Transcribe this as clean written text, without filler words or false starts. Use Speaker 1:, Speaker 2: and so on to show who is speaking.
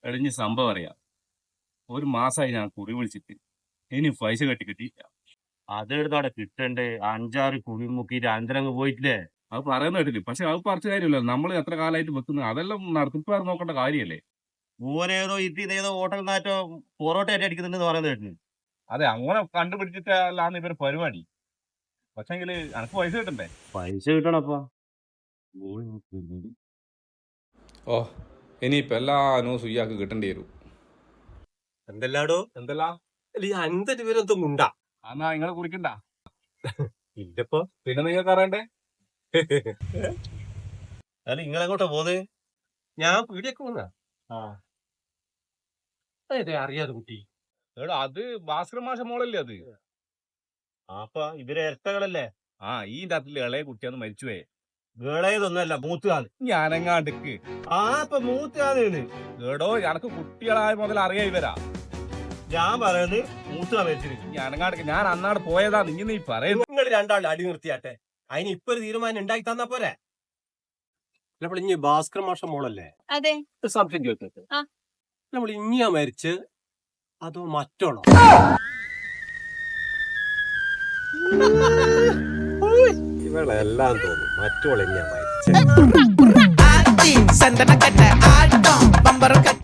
Speaker 1: എടിഞ്ഞ് സംഭവം അറിയാം. ഒരു മാസമായി ഞാൻ കുറി വിളിച്ചിട്ട് ഇനി പൈസ കിട്ടിയില്ല.
Speaker 2: അതെടുത്തോടെ കിട്ടണ്ടേ? 5-6 കുഴി മുക്കിയിട്ട് അന്തരങ്ങ് പോയിട്ടില്ലേ?
Speaker 1: അത് പറയുന്ന കേട്ടില്ല. പക്ഷെ അത് പറിച്ച കാര്യമല്ല. നമ്മൾ എത്ര കാലമായിട്ട് വെക്കുന്നത് അതെല്ലാം നടത്തിപ്പാർ നോക്കേണ്ട കാര്യമല്ലേ?
Speaker 2: ഓരേതോ ഇതേതോ ഹോട്ടൽ നാറ്റോ പൊറോട്ട ആയിട്ട് അടിക്കുന്നുണ്ടെന്ന് പറയുന്നത് കേട്ടിന്.
Speaker 1: അതെ, അങ്ങനെ കണ്ടുപിടിച്ചിട്ടല്ലാന്ന് ഇവരുടെ പരിപാടി. പക്ഷെങ്കിൽ എനക്ക് പൈസ കിട്ടണ്ടേ?
Speaker 2: പൈസ കിട്ടണപ്പാ.
Speaker 3: ഓ ഇനിയിപ്പോൾ എല്ലാ ന്യൂസും ഇയാൾക്ക് കിട്ടേണ്ടി വരും.
Speaker 4: എന്തെല്ലാടോ
Speaker 1: എന്തെല്ലാം
Speaker 4: അല്ല ഈ 50 പേരൊന്നും ഉണ്ടാ
Speaker 1: എന്നാ നിങ്ങളെ കുറിക്കണ്ട.
Speaker 4: ഇല്ലപ്പോ
Speaker 1: പിന്നെ നിങ്ങൾക്ക് അറിയണ്ടേ?
Speaker 2: അല്ല നിങ്ങളെങ്ങോട്ടാ പോകുന്നത്?
Speaker 4: ഞാൻ പീടിയൊക്കെ വന്നാ
Speaker 1: ആ
Speaker 4: അതെ അറിയാതെ കുട്ടി
Speaker 1: എടാ, അത് ഭാസ്കര മാഷ മോളല്ലേ അത്?
Speaker 2: അപ്പൊ ഇവരെ ഇരട്ടകളല്ലേ?
Speaker 1: ആ ഈ രാത്രി ഇളയ കുട്ടിയാന്ന് മരിച്ചുപോയെ.
Speaker 2: വേളയതൊന്നുമല്ല, മൂത്തുകാണ്.
Speaker 1: ഞാനെങ്ങാണ്ടിക്ക്
Speaker 2: ആ ഇപ്പൊ മൂത്തുകാണ്.
Speaker 1: എടോ, എനക്ക് കുട്ടികളായ മുതൽ അറിയാ ഇവരാ.
Speaker 2: ഞാൻ പറയുന്നത് മൂത്തുക മരിച്ചിരിക്കും.
Speaker 1: ഞാനെങ്ങാണ്ടിക്ക് ഞാൻ അന്നാട് പോയതാ. നീ പറയുന്നു.
Speaker 4: നിങ്ങൾ രണ്ടാളും അടി നിർത്തിയാട്ടെ. അതിന് ഇപ്പൊ ഒരു തീരുമാനം ഉണ്ടാക്കി തന്നാ പോരെ. നമ്മൾ ഇനി ഭാസ്കർ മാഷ മോളല്ലേ?
Speaker 5: അതെ.
Speaker 4: ഒരു സംശയം ചോദിക്കട്ടെ.
Speaker 5: ആ.
Speaker 4: നമ്മൾ ഇനിയാ മരിച്ച് അതോ മറ്റോളോ? ഇവളെല്ലാം തോന്നും മറ്റോളെന്നെയാ മരിച്ചത്.